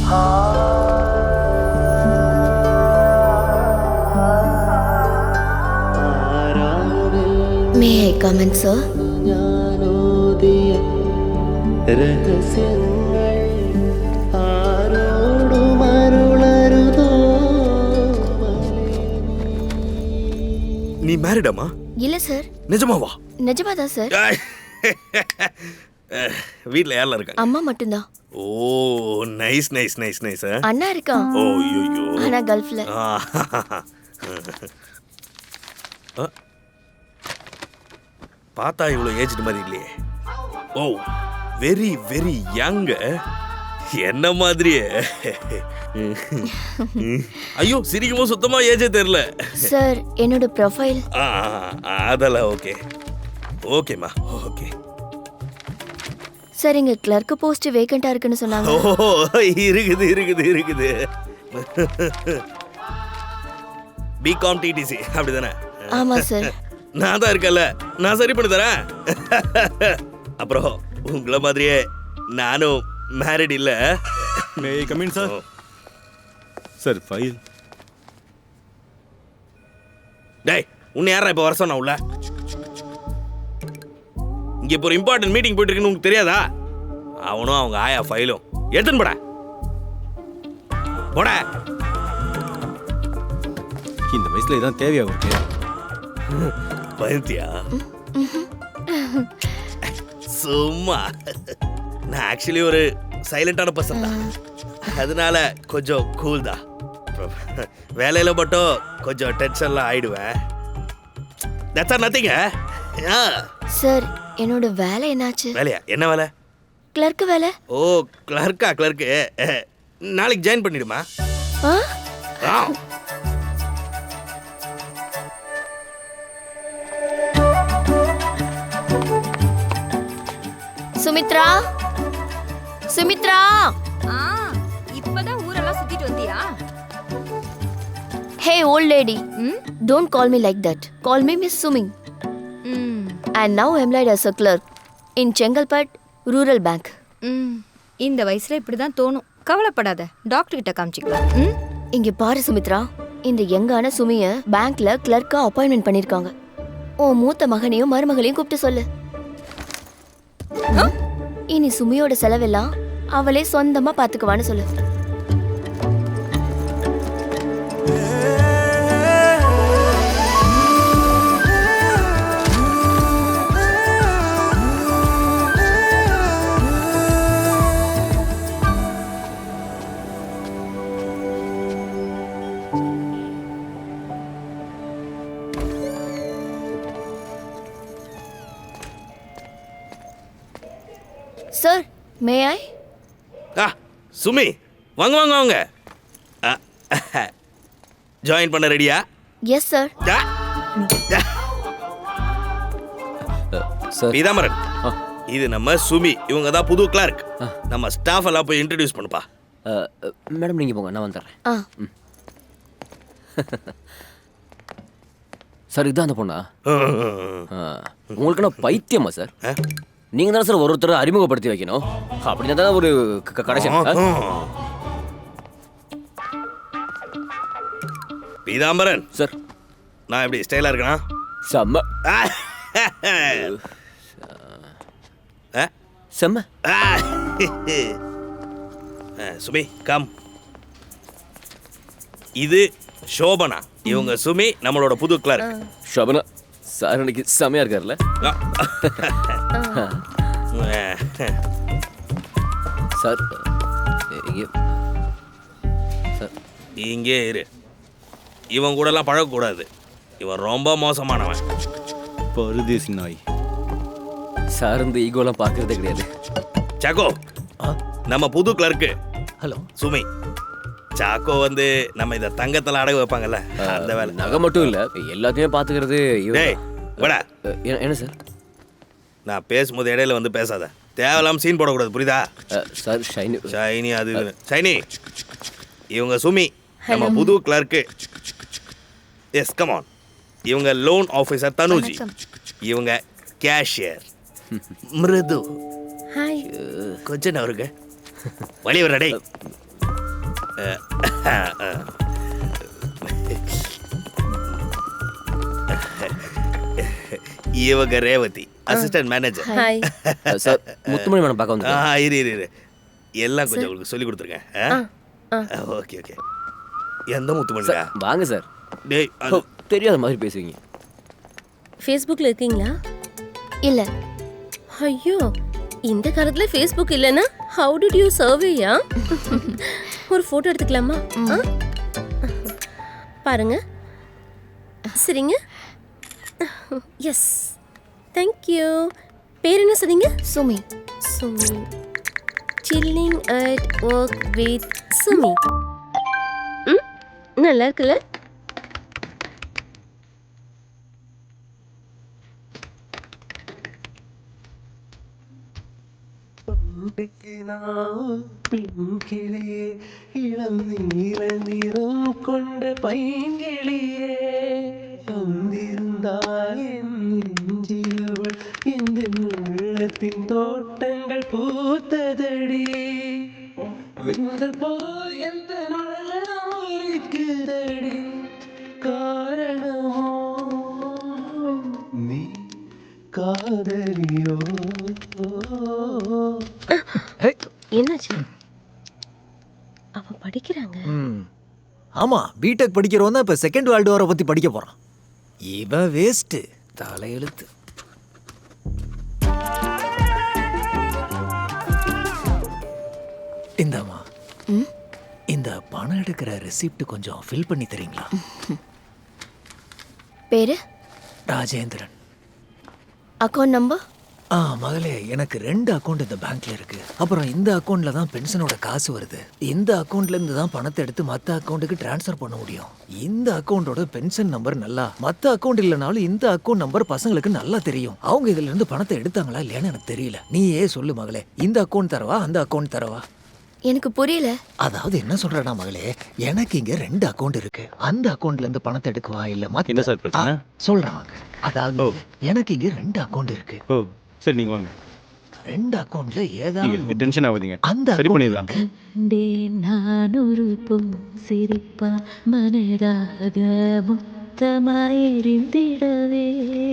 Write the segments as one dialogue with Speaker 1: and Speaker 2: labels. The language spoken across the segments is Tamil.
Speaker 1: May I come in, sir?
Speaker 2: நீ மேரிடாமா?
Speaker 1: இல்ல சார்.
Speaker 2: நிஜமாவா?
Speaker 1: நிஜமாதான் சார்.
Speaker 2: வீட்ல யாரெல்லாம் இருக்காங்க?
Speaker 1: அம்மா மட்டும்தான்.
Speaker 2: ஓ நைஸ் நைஸ் நைஸ் நைஸ்.
Speaker 1: அண்ணா இருக்கான்.
Speaker 2: ஓ ஐயோ.
Speaker 1: ஆனா கல்ஃப்ல.
Speaker 2: பார்த்தா இவ்வளோ ஏஜ்டு மாதிரி இல்லையே. Oh very very young. என்ன மாதிரியே. ஐயோ சிரிக்கும்போது சுத்தமா ஏஜே தெரியல.
Speaker 1: சார் என்னோட ப்ரொஃபைல்.
Speaker 2: அதெல்லாம் ஓகே ஓகேம்மா ஓகே.
Speaker 1: சார் இங்க கிளர்க் போஸ்ட் வேகண்டா இருக்குன்னு சொன்னாங்க.
Speaker 2: ஓ இருக்குது இருக்குது இருக்குது. பிகாம் டிடிசி அப்படிதானே?
Speaker 1: ஆமா சார்.
Speaker 2: நான் தான் இருக்கல, நான் சரி பண்ணி தரேன். அப்புறம் உங்களை மாதிரியே நானும் மேரிட் இல்ல.
Speaker 3: May I come in sir? Sir file.
Speaker 2: டேய் உன்னை யாரா இப்போ வர சொன்னா உள்ள? இங்க இப்போ ஒரு இம்பார்ட்டன்ட் மீட்டிங் போயிட்டு இருக்குன்னு உங்களுக்கு தெரியாதா? அவனும் அவங்க ஆயா ஃபைலும் எடுத்துன்னு போட போட.
Speaker 3: இந்த வயசுல இதான் தேவையா உங்களுக்கு?
Speaker 2: பயந்தியா? சும்மா நான் ஆக்சுவலி ஒரு சைலண்டான பர்சன் தான், அதனால கொஞ்சம் கூல் தான். வேலையில மட்டும் கொஞ்சம் டென்ஷன்லாம் ஆயிடுவேன். That's R nothing.
Speaker 1: சார் என்னோட வேலை என்னாச்சு?
Speaker 2: வேலையா? என்ன வேலை?
Speaker 1: கிளர்க் வேலை.
Speaker 2: ஓ கிளர்க்கா? கிளர்க்கு நாளைக்கு ஜாயின் பண்ணிடுமா?
Speaker 1: சுமித்ரா, சுமித்ரா.
Speaker 4: இப்பதான் ஊரெல்லாம் சுத்திட்டு வந்தியா?
Speaker 1: Hey old lady, don't call me like that. Call me Miss Sumi. And now I'm employed as a clerk in Chengalpet Rural Bank.
Speaker 4: இந்த வயசுல இப்படிதான் தோணும். கவலைப்படாத, டாக்டர் கிட்ட காமிச்சிக்கலாம்.
Speaker 1: இங்க பாரு சுமித்ரா, இந்த யங்கான சுமிய பேங்க்ல கிளர்க்கா அப்பாயின்மெண்ட் பண்ணிருக்காங்க. உன் மூத்த மகனையும் மருமகளையும் கூப்பிட்டு சொல்லு. இனி சுமியோட செலவெல்லாம் அவளே சொந்தமா பாத்துக்குவான்னு சொல்லு. சார் மே ஐ?
Speaker 2: சுமி வாங்க வாங்க வாங்க. ஜாயின் பண்ண ரெடியா?
Speaker 1: Yes sir.
Speaker 2: பீதாமரன், இது நம்ம சுமி, இவங்க தான் புது கிளார்க். நம்ம ஸ்டாஃப் எல்லாம் போய் இன்ட்ரடியூஸ் பண்ணுப்பா.
Speaker 5: மேடம் நீங்கள் போங்க, நான் வந்துடுறேன். சார் இதுதான் அந்த பொண்ணா? உங்களுக்கு நான் பைத்தியமா சார்? நீங்கள் தானே சார் ஒருத்தர் அறிமுகப்படுத்தி வைக்கணும், அப்படின்னா தானே ஒரு கடைசி.
Speaker 2: பீதாம்பரன்
Speaker 5: சார்,
Speaker 2: நான் எப்படி ஸ்டைலாக இருக்கேனா?
Speaker 5: செம்ம செம்ம.
Speaker 2: சுமி கம். இது சோபனா, இவங்க சுமி நம்மளோட புது கிளார்க்.
Speaker 5: சோபனா சார் இன்னைக்கு செம்மையா இருக்கார்ல? சார் சார்
Speaker 2: இங்கே இரு, இவன் கூடலாம் பழகக்கூடாது, இவன் ரொம்ப மோசமானவன்.
Speaker 3: பரதேசி நாய்.
Speaker 5: சார் இந்த ஈகோலாம் பார்க்கறதே கிடையாது.
Speaker 2: சாக்கோ நம்ம புது கிளர்க்கு.
Speaker 5: ஹலோ
Speaker 2: சுமி. சாக்கோ வந்து நம்ம இதை தங்கத்தில் அடகு வைப்பாங்கல்ல, அந்த வேலை.
Speaker 5: நகை மட்டும் இல்லை, எல்லாத்தையுமே பார்த்துக்கிறது. என்ன சார்?
Speaker 2: நான் பேசும்போது இடையில வந்து பேசாத, தேவையில்லாம சீன் போடக்கூடாது, புரியுதா?
Speaker 5: சார் ஷைனி
Speaker 2: ஷைனி அது ஷைனி. இவங்க சுமி நம்ம புது கிளர்க்கு. Yes come on. இவங்க லோன் ஆஃபீஸர் தனுஜி. இவங்க கேஷியர் மிருது.
Speaker 1: ஹாய்.
Speaker 2: கொஞ்சம் அவருக்கு வழி வர. டேய் இவங்க Revathi assistant manager.
Speaker 6: Hi.
Speaker 5: Sir Muthumani madam பார்க்க வந்து
Speaker 2: இரு எல்லாம் கொஞ்சம் உங்களுக்கு சொல்லி கொடுத்துருங்க. Okay okay. எந்த முத்துமணிடா?
Speaker 5: வாங்க சார்.
Speaker 2: டேய்
Speaker 5: தெரியாத மாதிரி பேசுவீங்க.
Speaker 6: ஃபேஸ்புக்கில் இருக்கீங்களா?
Speaker 1: இல்ல.
Speaker 6: ஐயோ, இந்த காலத்துல ஃபேஸ்புக் இல்லைன்னா ஹவு டிட் யூ சர்வேயா? ஒரு ஃபோட்டோ எடுத்துக்கலாமா? பாருங்க, சரிங்க. Yes, thank you. பேர் என்ன சொன்னீங்க?
Speaker 1: Sumi.
Speaker 6: Sumi. Chilling at work with Sumi. நல்லா இருக்குல்ல?
Speaker 7: இளம் நீல நிறம் கொண்ட பைங்கிளியே வந்திருந்தாய் என் நெஞ்சிலவள் இந்த உள்ளத்தின் தோட்டங்கள் பூத்ததடி வெந்தல் போல் எந்த நாளும் இருக்குதடி காரணமோ நீ காதலியோ.
Speaker 6: என்னாச்சு? அவ படிக்கிறாங்க.
Speaker 8: ஆமா, பிடெக் படிக்கிறவன் தான் இப்ப செகண்ட் வேர்ல்டு வாரை பத்தி படிக்க போறான். இவ வேஸ்ட் தலையெழுத்து. இந்தாமா, இந்த பணம் எடுக்கிற ரெசிப்ட் கொஞ்சம் ஃபில் பண்ணி தரீங்களா?
Speaker 1: பேரு?
Speaker 8: ராஜேந்திரன்.
Speaker 1: Account number?
Speaker 8: மகளே, எனக்கு 2 அக்கௌண்ட் இந்த பேங்க்ல இருக்கு. அப்புறம் இந்த அக்கௌண்ட்ல தான் பென்ஷனோட காசு வருது. இந்த அக்கௌண்ட்ல இருந்து தான் பணத்தை எடுத்து மத்த அக்கௌண்ட்டுக்கு டிரான்ஸ்ஃபர் பண்ண முடியும். இந்த அக்கௌண்டோட பென்ஷன் நம்பர் நல்லா, மத்த அக்கௌண்ட் இல்லனாலும் இந்த அக்கௌண்ட் நம்பர் பசங்களுக்கு நல்லா தெரியும். அவங்க இதுல இருந்து பணத்தை எடுத்தாங்களா இல்லையான்னு எனக்கு தெரியல. நீயே சொல்லு மகளே, இந்த அக்கௌண்ட் தரவா அந்த அக்கௌண்ட் தரவா?
Speaker 1: எனக்கு புரியல.
Speaker 8: அதாவது என்ன சொல்றேன்னா மகளே, எனக்கு இங்க 2 அக்கௌண்ட் இருக்கு. அந்த அக்கௌண்ட்ல இருந்து பணத்தை எடுக்கவா இல்ல மத்த?
Speaker 3: என்ன சார் பிரச்சனை?
Speaker 8: சொல்றாங்க. அதாவது எனக்கு இங்க 2 அக்கௌண்ட் இருக்கு.
Speaker 3: ஓ சரி, நீங்க வாங்க.
Speaker 8: 2 அக்கௌண்ட்ல ஏதாவது
Speaker 3: டென்ஷன் ஆகாதீங்க,
Speaker 8: அந்த
Speaker 3: சரி பண்ணிடலாம்.
Speaker 9: நானொரு பொன் சிரிப்பா மனதாக முத்தமாயிருந்திடவே.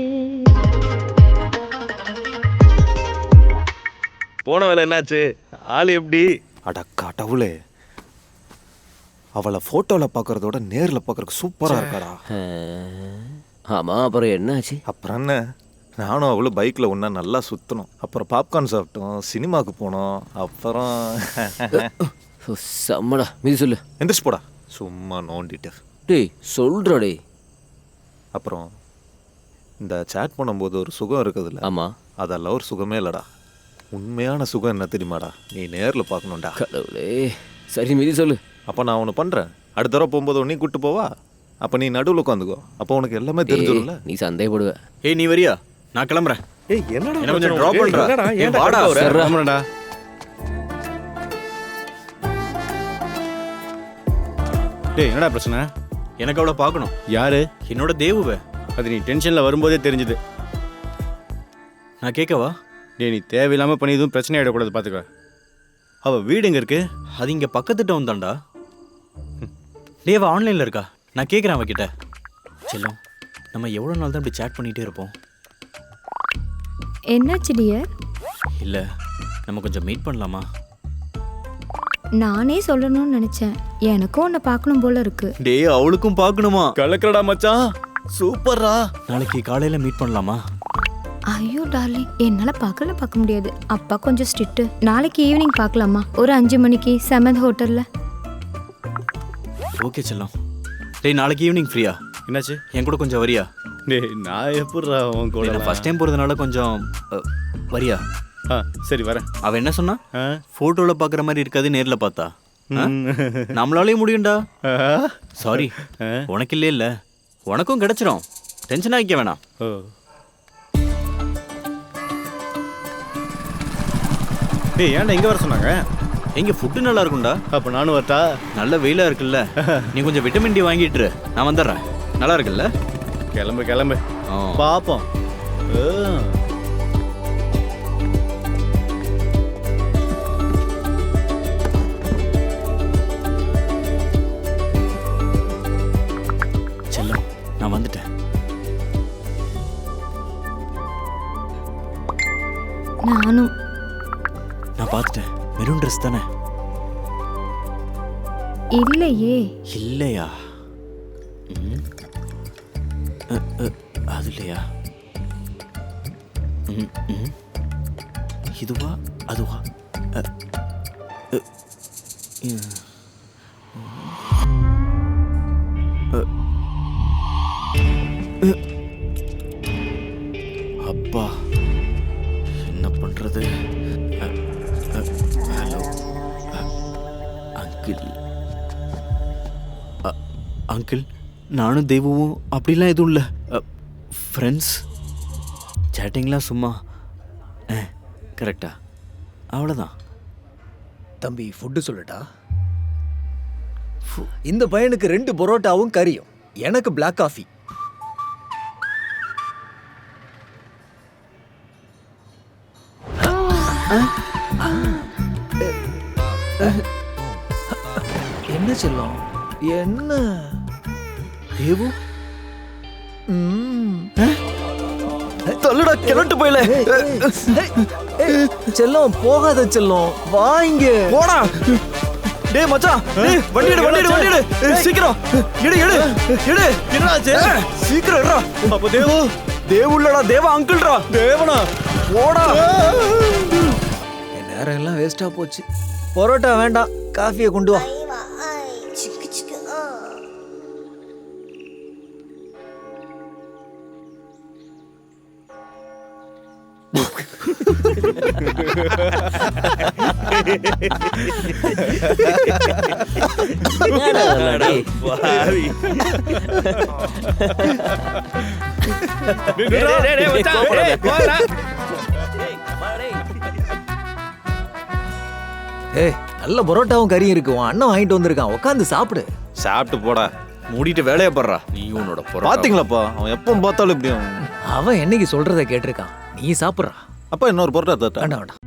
Speaker 2: போன வேலை என்னாச்சு? ஆள் எப்படி?
Speaker 10: அட கடவுளே, அவளை ஃபோட்டோவில் பார்க்குறதோட நேரில் பார்க்குறதுக்கு சூப்பராக இருக்காடா.
Speaker 5: ஆமா, அப்புறம் என்னாச்சு?
Speaker 10: அப்புறம் என்ன, நானும் அவளும் பைக்கில் ஒன்றா நல்லா சுற்றணும். அப்புறம் பாப்கார்ன் சாப்பிட்டோம், சினிமாவுக்கு போனோம். அப்புறம்
Speaker 5: செம்மடா, மீது சொல்லு.
Speaker 10: எந்திரிச்சு போடா, சும்மா நோண்டிட்டு.
Speaker 5: டேய் சொல்றா டேய்.
Speaker 10: அப்புறம் இந்த சேட் பண்ணும்போது ஒரு சுகம் இருக்குதுல்ல?
Speaker 5: ஆமா,
Speaker 10: அதெல்லாம் ஒரு சுகமே இல்லைடா. உண்மையான சுகம் என்ன தெரியுமாடா? நீ நேரில் பார்க்கணும்டா.
Speaker 5: கடவுளே, சரி மீதி சொல்லு.
Speaker 10: அப்போ நான் ஒன்று பண்ணுறேன், அடுத்த தடவை போகும்போது நீ கூப்பிட்டு போவா. அப்போ நீ நடுவில் உட்காந்துக்கோ, அப்போ உனக்கு எல்லாமே தெரிஞ்சிடும்ல.
Speaker 5: நீ சந்தேகப்படுவ.
Speaker 3: ஏய், நீ வரியா? நான் கிளம்புறேன்.
Speaker 2: ஏய் என்னடா
Speaker 3: என்ன கொஞ்சம் ட்ராப் பண்றா?
Speaker 2: ஏன்
Speaker 3: வாடா,
Speaker 2: வர?
Speaker 3: கிளம்புறேன்டா. டேய், என்னடா பிரச்சனை? எனக்கு அவளை பார்க்கணும். யாரு? என்னோட தேவுவை. அது நீ டென்ஷன்ல வரும்போதே தெரிஞ்சுது. நான் கேட்கவா? டேய், நீ தேவையில்லாமல் பண்ணி எதுவும் பிரச்சனை ஆகிடக்கூடாது, பார்த்துக்க. அவள் வீடு எங்கே இருக்கு? அது இங்கே பக்கத்து டவுன் தான்டா. டேய், அவள் ஆன்லைனில் இருக்கா? நான் கேட்குறேன் அவகிட்ட. செல்லம், நம்ம எவ்வளோ நாள் தான் இப்படி சேட் பண்ணிகிட்டே இருப்போம்?
Speaker 4: என்னாச்சு டியர்?
Speaker 3: இல்லை, நம்ம கொஞ்சம் மீட் பண்ணலாமா?
Speaker 4: நானே சொல்லணும்னு நினைச்சேன். எனக்கும் உன்னை பார்க்கணும் போல இருக்கு.
Speaker 3: டேய், அவளுக்கும் பார்க்கணுமா? கலக்கடா மச்சான், சூப்பர்ரா. நாளைக்கு காலையில் மீட் பண்ணலாமா?
Speaker 4: ஐயோ டார்லிங், என்னால பார்க்க முடியாது. அப்பா கொஞ்சம் ஸ்ட்ரிக்ட். நாளைக்கு ஈவினிங் பார்க்கலாமா? ஒரு 5 மணிக்கு 7th ஹோட்டல்ல.
Speaker 3: ஓகே செல்லம். டேய், நாளைக்கு ஈவினிங் ஃப்ரீயா? என்னாச்சு, என் கூட கொஞ்சம் வரியா? டேய், நான் எப்படிடா உன் கூட? நான் ஃபர்ஸ்ட் டைம் போகிறதுனால கொஞ்சம் வரியா? சரி வரேன். அவன் என்ன சொன்னா? ஃபோட்டோவில் பார்க்குற மாதிரி இருக்காது, நேரில் பார்த்தா. நம்மளாலே முடியும்டா. சாரி, உனக்கு இல்லையே இல்லை, உனக்கும் கிடைச்சிரும். டென்ஷன் ஆகிக்க வேணாம். டேய், ஏன்டா இங்கே வர சொன்னாங்க? எங்கே ஃபுட்டு நல்லா இருக்கும்டா. அப்போ நானும் வரட்டா? நல்ல வெயிலாக இருக்குல்ல, நீ கொஞ்சம் விட்டமின் டி வாங்கிட்டுரு, நான் வந்துடுறேன். நல்லா இருக்குல்ல? கிளம்பு கிளம்பு, பார்ப்போம்.
Speaker 4: காணும்.
Speaker 3: நான் பார்த்துட்டேன். மெரூன் ட்ரெஸ் தானே?
Speaker 4: இல்லையே.
Speaker 3: இல்லையா? அது இல்லையா? இதுவா அதுவா? அப்பா என்ன பண்றது? Hello uncle. அங்கிள், நானும் தெய்வமும் அப்படிலாம் எதுவும் இல்லை. ஃப்ரெண்ட்ஸ், சேட்டிங்லாம் சும்மா. கரெக்டா? அவ்வளோதான்.
Speaker 8: தம்பி ஃபுட்டு சொல்லட்டா? இந்த பையனுக்கு 2 பரோட்டாவும் கறியும், எனக்கு பிளாக் காஃபி. என்ன செல்லம்? என்ன
Speaker 3: தேவு? தள்ளுடா, கிளட்டு போயில.
Speaker 8: செல்லம் போகாத செல்லம், வா இங்க.
Speaker 3: போடா. டேய் மச்சான், டேய் வண்டி எடு, வண்டி எடு, வண்டி எடு. சீக்கிரம் எடு எடு எடு. என்னாச்சு? சீக்கிரம் எடுடா. அப்ப தேவு தேவுல்லடா, தேவா அங்கிள்டா. தேவனா போடா.
Speaker 8: என் நேரம் எல்லாம் வேஸ்டா போச்சு. பரோட்டா வேண்டாம், காஃபியை கொண்டு வா.
Speaker 2: பாவி.
Speaker 8: ஏய், நல்ல பரோட்டாவும் கறியும் இருக்கு, உன் அண்ணன் வாங்கிட்டு வந்திருக்கான், உட்காந்து சாப்பிடு.
Speaker 10: சாப்பிட்டு போடா.
Speaker 3: மூடிட்டு வேலையை படுறா. நீ உன்னோட
Speaker 10: பாத்தீங்களாப்பா, அவன் எப்போ பார்த்தாலும் இப்படி.
Speaker 8: அவன் என்னைக்கு சொல்றத கேட்டிருக்கான், நீ சாப்பிட்றா.
Speaker 10: அப்பா இன்னொரு பரோட்டா தட்டா?
Speaker 8: வேண்டாம் வேண்டாம்.